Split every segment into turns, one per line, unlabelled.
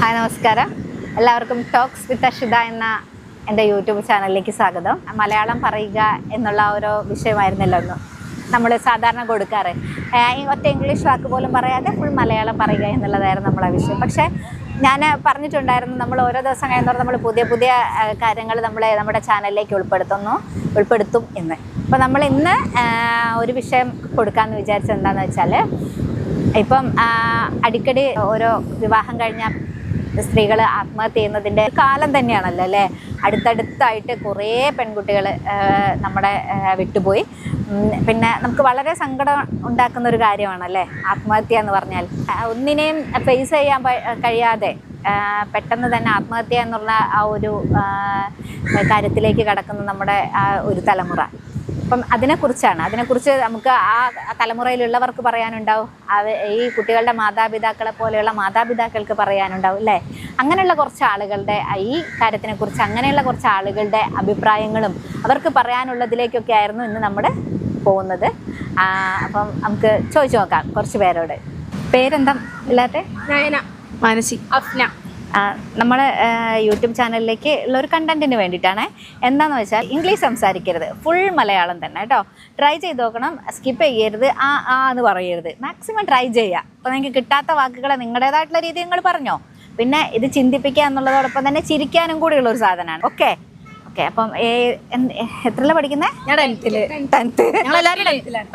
Hi നമസ്കാരം. എല്ലാവർക്കും talks with Ashitha എന്ന എൻ്റെ യൂട്യൂബ് ചാനലിലേക്ക് സ്വാഗതം. മലയാളം പറയുക എന്നുള്ള ഓരോ വിഷയമായിരുന്നല്ലോ ഒന്ന് നമ്മൾ സാധാരണ കൊടുക്കാറ്. ഒറ്റ ഇംഗ്ലീഷ് വാക്ക് പോലും പറയാതെ ഫുൾ മലയാളം പറയുക എന്നുള്ളതായിരുന്നു നമ്മളെ വിഷയം. പക്ഷേ ഞാൻ പറഞ്ഞിട്ടുണ്ടായിരുന്നു, നമ്മൾ ഓരോ ദിവസം കഴിയുന്നവർ നമ്മൾ പുതിയ പുതിയ കാര്യങ്ങൾ നമ്മുടെ ചാനലിലേക്ക് ഉൾപ്പെടുത്തും എന്ന്. അപ്പോൾ നമ്മൾ ഇന്ന് ഒരു വിഷയം കൊടുക്കാമെന്ന് വിചാരിച്ചത് എന്താണെന്ന് വെച്ചാൽ, ഇപ്പം അടിക്കടി ഓരോ വിവാഹം കഴിഞ്ഞ സ്ത്രീകൾ ആത്മഹത്യ ചെയ്യുന്നതിൻ്റെ കാലം തന്നെയാണല്ലോ അല്ലേ. അടുത്തടുത്തായിട്ട് കുറേ പെൺകുട്ടികൾ നമ്മുടെ വിട്ടുപോയി. പിന്നെ നമുക്ക് വളരെ സങ്കടം ഉണ്ടാക്കുന്ന ഒരു കാര്യമാണല്ലേ ആത്മഹത്യ എന്ന് പറഞ്ഞാൽ. ഒന്നിനെയും ഫേസ് ചെയ്യാൻ കഴിയാതെ പെട്ടെന്ന് തന്നെ ആത്മഹത്യ എന്നുള്ള ആ ഒരു കാര്യത്തിലേക്ക് കടക്കുന്ന നമ്മുടെ ആ ഒരു തലമുറ. അപ്പം അതിനെക്കുറിച്ച് നമുക്ക് ആ തലമുറയിലുള്ളവർക്ക് പറയാനുണ്ടാവും, ഈ കുട്ടികളുടെ മാതാപിതാക്കളെ പോലെയുള്ള മാതാപിതാക്കൾക്ക് പറയാനുണ്ടാവും അല്ലേ. അങ്ങനെയുള്ള കുറച്ച് ആളുകളുടെ ഈ കാര്യത്തിനെക്കുറിച്ച് അങ്ങനെയുള്ള കുറച്ച് ആളുകളുടെ അഭിപ്രായങ്ങളും അവർക്ക് പറയാനുള്ളതിലേക്കൊക്കെ ആയിരുന്നു ഇന്ന് നമ്മൾ പോകുന്നത്. അപ്പം നമുക്ക് ചോദിച്ചു നോക്കാം കുറച്ച് പേരോട്. പേരെന്താ ഇല്ലാത്തെ?
നയന,
മാനസി,
അഫ്ന.
നമ്മൾ യൂട്യൂബ് ചാനലിലേക്ക് ഉള്ള ഒരു കണ്ടന്റിന് വേണ്ടിയിട്ടാണ്. എന്താണെന്ന് വെച്ചാൽ ഇംഗ്ലീഷ് സംസാരിക്കരുത്, ഫുൾ മലയാളം തന്നെ കേട്ടോ. ട്രൈ ചെയ്ത് നോക്കണം, സ്കിപ്പ് ചെയ്യരുത്, എന്ന് പറയരുത്. മാക്സിമം ട്രൈ ചെയ്യുക. അപ്പോൾ നിങ്ങൾക്ക് കിട്ടാത്ത വാക്കുകളെ നിങ്ങളുടേതായിട്ടുള്ള രീതി നിങ്ങൾ പറഞ്ഞോ. പിന്നെ ഇത് ചിന്തിപ്പിക്കുക എന്നുള്ളതോടൊപ്പം തന്നെ ചിരിക്കാനും കൂടിയുള്ളൊരു സാധനമാണ്. ഓക്കെ. അപ്പം എത്രയിലാണ് പഠിക്കുന്നത്?
ഞാൻ 10th. ഞങ്ങളെല്ലാവരും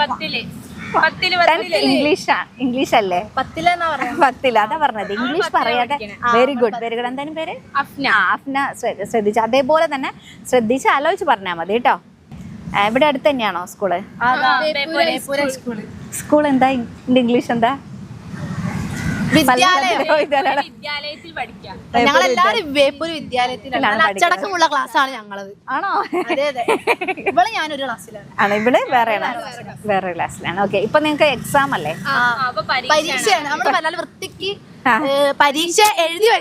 10th.
ഇംഗ്ലീഷ് അല്ലേ? 10th അതാ പറഞ്ഞത്. ഇംഗ്ലീഷ് പറയാതെ. Very good. എന്തായാലും പേര് അഫ്ന. ശ്രദ്ധിച്ച് അതേപോലെ തന്നെ ശ്രദ്ധിച്ച് ആലോചിച്ച് പറഞ്ഞാൽ മതി കേട്ടോ. ഇവിടെ അടുത്ത് തന്നെയാണോ സ്കൂള്? സ്കൂൾ എന്താ ഇംഗ്ലീഷ് എന്താ?
വിദ്യാലയത്തിൽ പഠിക്കാം.
ഞങ്ങളെല്ലാരും വേപ്പൂര് വിദ്യാലയത്തിലാണ്. അച്ചടക്കമുള്ള ക്ലാസ്സാണ് ഞങ്ങളത്.
ആണോ?
അതെ. ഇവിടെ ഞാനൊരു ക്ലാസ്സിലാണ്.
ഇവിടെ വേറെ ക്ലാസ്സിലാണ്. ഓക്കെ. ഇപ്പൊ നിങ്ങൾക്ക് എക്സാം അല്ലേ?
പരീക്ഷയാണ്. നമ്മുടെ മലയാളം വൃത്തിക്ക് പരീക്ഷ എഴുതി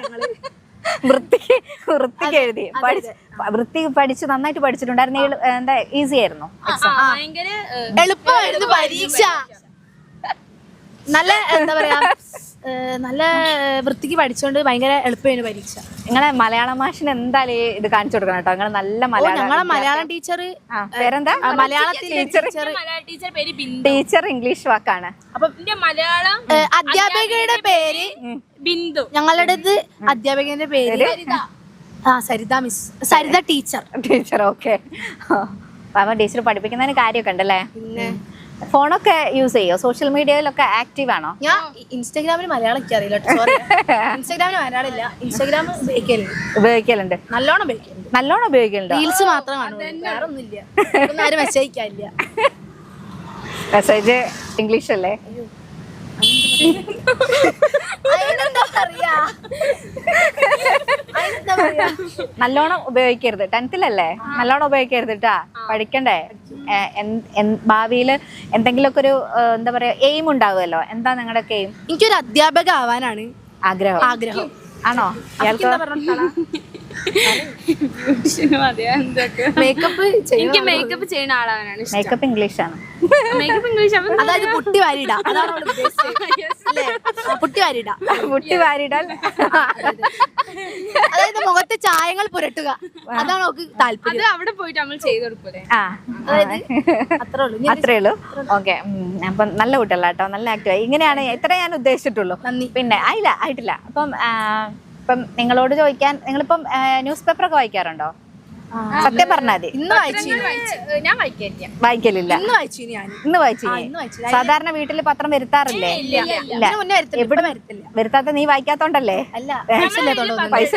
വൃത്തിക്ക് എഴുതി പഠിച്ച് നന്നായിട്ട് പഠിച്ചിട്ടുണ്ടായിരുന്നു. എന്താ ഈസി ആയിരുന്നു?
എളുപ്പമായിരുന്നു പരീക്ഷ. നല്ല എന്താ പറയാ, നല്ല വൃത്തിക്ക് പഠിച്ചോണ്ട് ഭയങ്കര എളുപ്പമായിരുന്നു പരീക്ഷ.
നിങ്ങളെ മലയാളം മാഷിന് എന്തായാലും ഇത് കാണിച്ചു കൊടുക്കണം കേട്ടോ. നിങ്ങൾ നല്ല
ഞങ്ങളെ മലയാളം ടീച്ചർ
പേരെന്താ?
മലയാളത്തിലെ
ടീച്ചർ ഇംഗ്ലീഷ് വാക്കാണ്.
അപ്പൊ
മലയാളം
അധ്യാപികയുടെ പേര്
ബിന്ദു.
ഞങ്ങളുടേത് അധ്യാപികന്റെ പേര് Saritha miss, Saritha teacher.
Okay. അപ്പൊ ടീച്ചർ പഠിപ്പിക്കുന്നതിന് കാര്യമൊക്കെ ഉണ്ടല്ലേ.
പിന്നെ
ഫോണൊക്കെ യൂസ് ചെയ്യോ? സോഷ്യൽ മീഡിയയിലൊക്കെ ആക്റ്റീവ് ആണോ?
ഞാൻ ഇൻസ്റ്റാഗ്രാമിൽ മലയാളം എനിക്ക് അറിയില്ല. ഇൻസ്റ്റാഗ്രാമിൽ മലയാളം ഇല്ല. ഇൻസ്റ്റാഗ്രാം
ഉപയോഗിക്കലുണ്ട്.
നല്ലോണം ഉപയോഗിക്കലുണ്ട്. റീൽസ് മാത്രം കാണും, വേറെ ഒന്നുമില്ല. ആരും മെസ്സേജ് അയക്കാനില്ല.
മെസ്സേജ് ഇംഗ്ലീഷ് അല്ലേ? നല്ലോണം ഉപയോഗിക്കരുത്. 10th നല്ലോണം ഉപയോഗിക്കരുത് കേട്ടാ. പഠിക്കണ്ടേ? ഭാവിയിൽ എന്തെങ്കിലുമൊക്കെ ഒരു എന്താ പറയാ എയിം ഉണ്ടാവുമല്ലോ. എന്താ നിങ്ങളുടെ എയിം?
എനിക്കൊരു അധ്യാപക ആവാനാണ് ആഗ്രഹം.
ആണോ?
മേക്കപ്പ് ചെയ്യുന്ന ആളാണ്.
മേക്കപ്പ് ഇംഗ്ലീഷാണ്.
അതായത് പുട്ടി വാരിടാ. പുട്ടി വാരിടാൽ അതായത് മുഖത്ത് ചായങ്ങൾ പുരട്ടുക. അതാണ് നമുക്ക് താല്പര്യം.
അവിടെ പോയിട്ട് നമ്മൾ ചെയ്ത് കൊടുക്കൂലേ?
അത്രേ ഉള്ളൂ. ഓക്കെ. അപ്പം നല്ല കുട്ടികളാ കേട്ടോ, നല്ല ആക്റ്റീവായി. ഇങ്ങനെയാണ് ഇത്ര ഞാൻ ഉദ്ദേശിച്ചിട്ടുള്ളൂ. പിന്നെ ആയിട്ടില്ല. ഇപ്പം നിങ്ങളോട് ചോദിക്കാൻ, നിങ്ങളിപ്പം ന്യൂസ് പേപ്പറൊക്കെ വായിക്കാറുണ്ടോ? സത്യം പറഞ്ഞാൽ മതി.
ഞാൻ
വായിക്കലില്ല. ഇന്ന് വായിച്ചു. സാധാരണ വീട്ടില് പത്രം വരുത്താറില്ലേ? വരുത്താത്ത നീ വായിക്കാത്തോണ്ടല്ലേ? പൈസ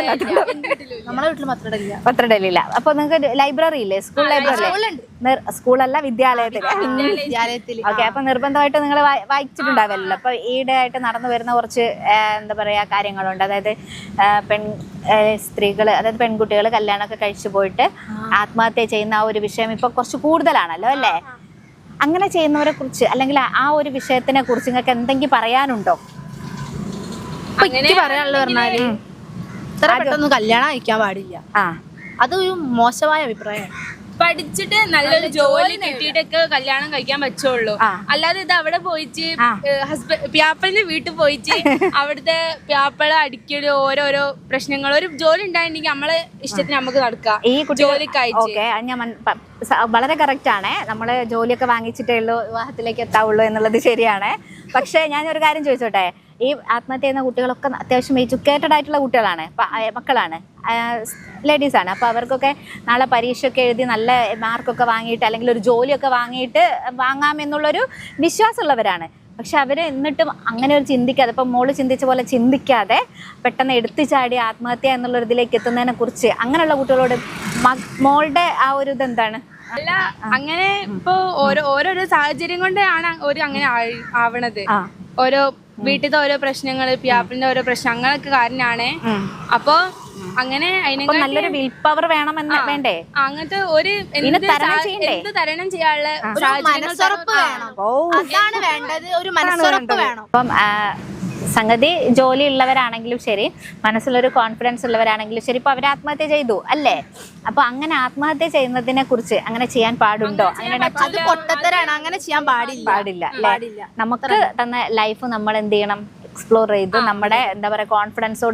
പത്രം ഇടലില്ല. അപ്പൊ നിങ്ങൾക്ക് ലൈബ്രറി ഇല്ലേ? School library? സ്കൂളല്ല, വിദ്യാലയത്തിൽ. ഓക്കെ. അപ്പൊ നിർബന്ധമായിട്ട് നിങ്ങൾ വായിച്ചിട്ടുണ്ടാവല്ലോ. അപ്പൊ ഈയിടെ ആയിട്ട് നടന്നു വരുന്ന കുറച്ച് എന്താ പറയാ കാര്യങ്ങളുണ്ട്. അതായത് സ്ത്രീകൾ, അതായത് പെൺകുട്ടികൾ കല്യാണമൊക്കെ കഴിച്ചു പോയിട്ട് ആത്മഹത്യ ചെയ്യുന്ന ആ ഒരു വിഷയം ഇപ്പൊ കുറച്ച് കൂടുതലാണല്ലോ അല്ലേ. അങ്ങനെ ചെയ്യുന്നവരെ കുറിച്ച് അല്ലെങ്കിൽ ആ ഒരു വിഷയത്തിനെ കുറിച്ച് നിങ്ങൾക്ക് എന്തെങ്കിലും പറയാനുണ്ടോ?
പറയാനുള്ളത് പറഞ്ഞാല് ഇത്ര പെട്ടെന്ന് കല്യാണം കഴിക്കാൻ പാടില്ല. അതൊരു മോശമായ അഭിപ്രായമാണ്.
പഠിച്ചിട്ട് നല്ലൊരു ജോലി കിട്ടിയിട്ടൊക്കെ കല്യാണം കഴിക്കാൻ പറ്റുള്ളൂ. അല്ലാതെ ഇത് അവിടെ പോയിട്ട് പ്യാപ്പളിന്റെ വീട്ടിൽ പോയിട്ട് അവിടുത്തെ പ്യാപ്പള അടിക്കല് ഓരോരോ പ്രശ്നങ്ങൾ. ഒരു ജോലി ഉണ്ടായിട്ടുണ്ടെങ്കിൽ നമ്മളെ ഇഷ്ടത്തിന് നമുക്ക് നടക്കാം.
ഈ
ജോലിക്കായിട്ട്
ഞാൻ വളരെ കറക്റ്റ് ആണ്. നമ്മള് ജോലിയൊക്കെ വാങ്ങിച്ചിട്ടേ ഉള്ളൂ വിവാഹത്തിലേക്ക് എത്താവുള്ളൂ എന്നുള്ളത് ശരിയാണ്. പക്ഷെ ഞാൻ ഒരു കാര്യം ചോദിച്ചോട്ടെ, ഈ ആത്മഹത്യ ചെയ്യുന്ന കുട്ടികളൊക്കെ അത്യാവശ്യം എഡ്യൂക്കേറ്റഡ് ആയിട്ടുള്ള കുട്ടികളാണ്, മക്കളാണ്, ലേഡീസാണ്. അപ്പോൾ അവർക്കൊക്കെ നാളെ പരീക്ഷയൊക്കെ എഴുതി നല്ല മാർക്കൊക്കെ വാങ്ങിയിട്ട് അല്ലെങ്കിൽ ഒരു ജോലിയൊക്കെ വാങ്ങാമെന്നുള്ളൊരു വിശ്വാസമുള്ളവരാണ്. പക്ഷെ അവർ എന്നിട്ടും അങ്ങനെ ഒരു ചിന്തിക്കാതെ, ഇപ്പം മോള് ചിന്തിച്ച പോലെ ചിന്തിക്കാതെ പെട്ടെന്ന് എടുത്തു ചാടി ആത്മഹത്യ എന്നുള്ളൊരു ഇതിലേക്ക് എത്തുന്നതിനെ കുറിച്ച് അങ്ങനെയുള്ള കുട്ടികളോട് മോളുടെ ആ ഒരു ഇതെന്താണ്?
അല്ല, അങ്ങനെ ഇപ്പൊ ഓരോരോ സാഹചര്യം കൊണ്ടാണ് ഒരു അങ്ങനെ ആവണത്. ഓരോ വീട്ടിലത്തെ ഓരോ പ്രശ്നങ്ങള്, പ്യാപ്പിളിന്റെ ഓരോ പ്രശ്നം അങ്ങനൊക്കെ കാരണമാണ്. അപ്പൊ അങ്ങനെ
നല്ലൊരു വിൽ പവർ വേണമെന്ന് വേണ്ടേ?
അങ്ങനത്തെ ഒരു എന്ത് തരണം ചെയ്യാനുള്ള
മനസ്സുറപ്പ് വേണം. അതാണ് വേണ്ടത്, ഒരു മനസ്സുറപ്പ് വേണം.
അപ്പം സംഗതി ജോലി ഉള്ളവരാണെങ്കിലും ശരി, മനസ്സിലൊരു കോൺഫിഡൻസ് ഉള്ളവരാണെങ്കിലും ശരി, ഇപ്പൊ അവർ ആത്മഹത്യ ചെയ്തു അല്ലേ? അപ്പൊ അങ്ങനെ ആത്മഹത്യ ചെയ്യുന്നതിനെ കുറിച്ച് അങ്ങനെ ചെയ്യാൻ പാടുണ്ടോ?
അത് പൊട്ടത്തരാണ്, അങ്ങനെ ചെയ്യാൻ പാടില്ല.
നമുക്ക് തന്ന ലൈഫ് നമ്മൾ എന്ത് ചെയ്യണം? എക്സ്പ്ലോർ ചെയ്ത് നമ്മുടെ എന്താ പറയാ കോൺഫിഡൻസോട്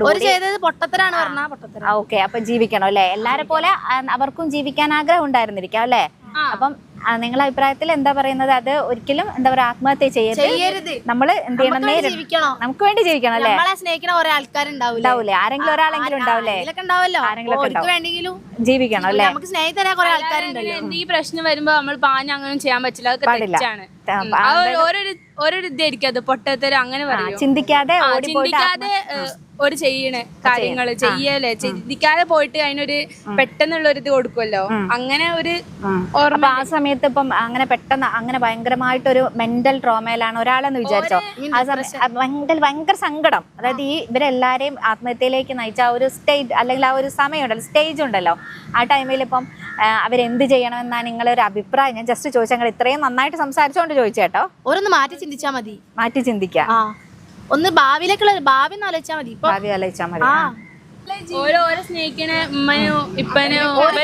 ഓക്കെ അപ്പൊ ജീവിക്കണം അല്ലെ? എല്ലാരെ പോലെ അവർക്കും ജീവിക്കാൻ ആഗ്രഹം ഉണ്ടായിരുന്നിരിക്കാം അല്ലെ? അപ്പം നിങ്ങളുടെ അഭിപ്രായത്തിൽ എന്താ പറയുന്നത്? അത് ഒരിക്കലും എന്താ പറയാ ആത്മഹത്യ ചെയ്യരുത്. നമ്മൾ എന്ത് ചെയ്യണം? നമുക്ക് വേണ്ടി ജീവിക്കണം അല്ലെ?
സ്നേഹിക്കുന്ന കുറെ
ആൾക്കാരുണ്ടാവൂലേ? ആരെങ്കിലും ഒരാളെങ്കിലും ഉണ്ടാവില്ലേ?
ആരെങ്കിലും
ജീവിക്കണം അല്ലെ?
നമുക്ക് സ്നേഹിതരാ കുറെ ആൾക്കാരുണ്ടല്ലോ.
ഈ പ്രശ്നം വരുമ്പോ നമ്മൾ പാഞ്ഞ അങ്ങനെ ചെയ്യാൻ പറ്റില്ല, അതൊക്കെ തെറ്റാണ്. ഓരോ ഇതായിരിക്കും അത്, പൊട്ടത്തരം അങ്ങനെ പറയും.
ചിന്തിക്കാതെ
ഒരു ചെയ്യണ കാര്യങ്ങള് ചെയ്യല്ലേ, ചിന്തിക്കാതെ പോയിട്ട് അതിനൊരു പെട്ടെന്നുള്ള ഒരു ഇത് കൊടുക്കുമല്ലോ, അങ്ങനെ ഒരു
ഓർമ്മ. ആ സമയത്ത് ഇപ്പം അങ്ങനെ പെട്ടെന്ന് അങ്ങനെ ഭയങ്കരമായിട്ടൊരു മെന്റൽ ട്രോമയിലാണ് ഒരാളെന്ന് വിചാരിച്ചോ, ആ സമയം ഭയങ്കര സങ്കടം. അതായത് ഈ ഇവരെല്ലാരെയും ആത്മഹത്യയിലേക്ക് നയിച്ച ആ ഒരു സ്റ്റേജ് അല്ലെങ്കിൽ ആ ഒരു സമയം ഉണ്ടല്ലോ, സ്റ്റേജ് ഉണ്ടല്ലോ, ആ ടൈമിൽ ഇപ്പം അവരെന്ത് ചെയ്യണമെന്നാണ് നിങ്ങളൊരു അഭിപ്രായം? ഞാൻ ജസ്റ്റ് ചോദിച്ചാൽ, നിങ്ങൾ ഇത്രയും നന്നായിട്ട് സംസാരിച്ചോണ്ട് ചോദിച്ചേട്ടോ.
ഓരോന്ന് മാറ്റി ചിന്തിച്ചാൽ മതി.
മാറ്റി ചിന്തിക്കാം,
ഒന്ന് ഭാവിയിലേക്കുള്ള ഭാവി ആലോചിച്ചാൽ മതി.
ഭാവി ആലോചിച്ചാൽ മതി.
ഓരോ സ്നേഹിക്കണ ഉമ്മനോ ഇപ്പനോ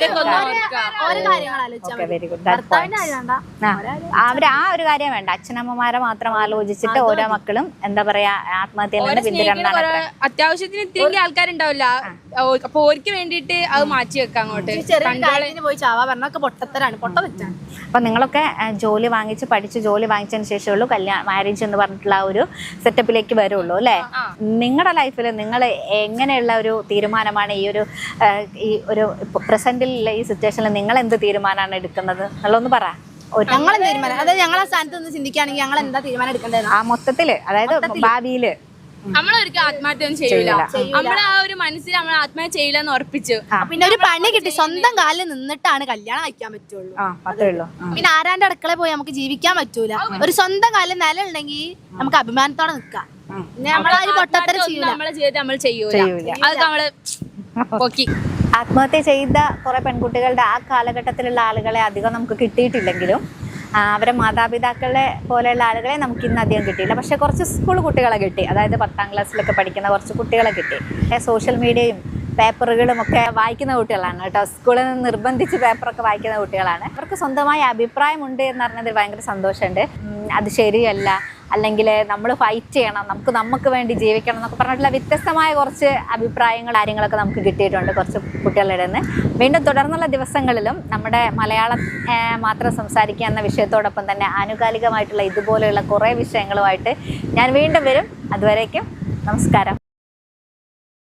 വെരി ഗുഡ്. അവര് ആ ഒരു കാര്യം വേണ്ട, അച്ഛനമ്മമാരെ മാത്രം ആലോചിച്ചിട്ട് ഓരോ മക്കളും എന്താ പറയാ ആത്മഹത്യ
അത്യാവശ്യത്തിന് ഇത്തിരി ആൾക്കാരുണ്ടാവില്ല, അപ്പൊ ഓർക്ക് വേണ്ടിട്ട് അത് മാറ്റി വെക്കാം അങ്ങോട്ട്.
പോയി ചാവാ പറഞ്ഞൊക്കെ പൊട്ടത്തരാണ്, പൊട്ട വെച്ചാണ്.
അപ്പൊ നിങ്ങളൊക്കെ ജോലി വാങ്ങിച്ച് പഠിച്ച് ജോലി വാങ്ങിച്ചതിന് ശേഷമുള്ളൂ മാരേജ് എന്ന് പറഞ്ഞിട്ടുള്ള ആ ഒരു സെറ്റപ്പിലേക്ക് വരുള്ളൂ അല്ലെ? നിങ്ങളുടെ ലൈഫിൽ നിങ്ങൾ എങ്ങനെയുള്ള ഒരു തീരുമാനമാണ് ഈ ഒരു പ്രസന്റിലുള്ള ഈ സിറ്റുവേഷനിൽ നിങ്ങൾ എന്ത് തീരുമാനമാണ് എടുക്കുന്നത് എന്നുള്ളതൊന്ന് പറ.
ഞങ്ങൾ തീരുമാനം, അതായത് ഞങ്ങളെ സ്ഥാനത്ത് നിന്ന് ചിന്തിക്കുകയാണെങ്കിൽ ഞങ്ങൾ എന്താ തീരുമാനം എടുക്കേണ്ടത്
ആ മൊത്തത്തില്, അതായത് ഭാവിയില്
നമ്മളൊരിക്കലും ആത്മഹത്യ ഒന്നും ചെയ്യൂല. നമ്മളെ ആ ഒരു മനസ്സിൽ നമ്മൾ ആത്മഹത്യ ചെയ്യില്ല എന്ന് ഉറപ്പിച്ചു.
പിന്നെ ഒരു പണി കിട്ടി, സ്വന്തം കാലിൽ നിന്നിട്ടാണ് കല്യാണം കഴിക്കാൻ പറ്റുള്ളൂ. പിന്നെ ആരാന്റെ അടുക്കളയിൽ പോയി നമുക്ക് ജീവിക്കാൻ പറ്റൂല. ഒരു സ്വന്തം കാലിൽ നില ഉണ്ടെങ്കിൽ നമുക്ക് അഭിമാനത്തോടെ നിൽക്കാം.
നമ്മളെ ജീവിതത്തിൽ നമ്മൾ ചെയ്യൂല, അത് നമ്മള് പൊക്കി.
ആത്മഹത്യ ചെയ്ത കുറെ പെൺകുട്ടികളുടെ ആ കാലഘട്ടത്തിലുള്ള ആളുകളെ അധികം നമുക്ക് കിട്ടിയിട്ടില്ലെങ്കിലും അവരെ മാതാപിതാക്കളെ പോലെയുള്ള ആളുകളെ നമുക്ക് ഇന്ന് അധികം കിട്ടിയില്ല. പക്ഷെ കുറച്ച് സ്കൂൾ കുട്ടികളെ കിട്ടി, അതായത് 10ാം ക്ലാസ്സിലൊക്കെ പഠിക്കുന്ന കുറച്ച് കുട്ടികളെ കിട്ടി. സോഷ്യൽ മീഡിയയും പേപ്പറുകളും ഒക്കെ വായിക്കുന്ന കുട്ടികളാണ് കേട്ടോ. സ്കൂളിൽ നിന്ന് നിർബന്ധിച്ച് പേപ്പറൊക്കെ വായിക്കുന്ന കുട്ടികളാണ്. അവർക്ക് സ്വന്തമായ അഭിപ്രായമുണ്ട് എന്ന് പറഞ്ഞതിൽ ഭയങ്കര സന്തോഷമുണ്ട്. അത് ശരിയല്ല, അല്ലെങ്കിൽ നമ്മൾ ഫൈറ്റ് ചെയ്യണം, നമുക്ക് വേണ്ടി ജീവിക്കണം എന്നൊക്കെ പറഞ്ഞിട്ടുള്ള വ്യത്യസ്തമായ കുറച്ച് അഭിപ്രായങ്ങൾ കാര്യങ്ങളൊക്കെ നമുക്ക് കിട്ടിയിട്ടുണ്ട് കുറച്ച് കുട്ടികളുടെ നിന്ന്. വീണ്ടും തുടർന്നുള്ള ദിവസങ്ങളിലും നമ്മുടെ മലയാളം മാത്രം സംസാരിക്കുക എന്ന വിഷയത്തോടൊപ്പം തന്നെ ആനുകാലികമായിട്ടുള്ള ഇതുപോലെയുള്ള കുറേ വിഷയങ്ങളുമായിട്ട് ഞാൻ വീണ്ടും വരും. അതുവരേക്കും നമസ്കാരം.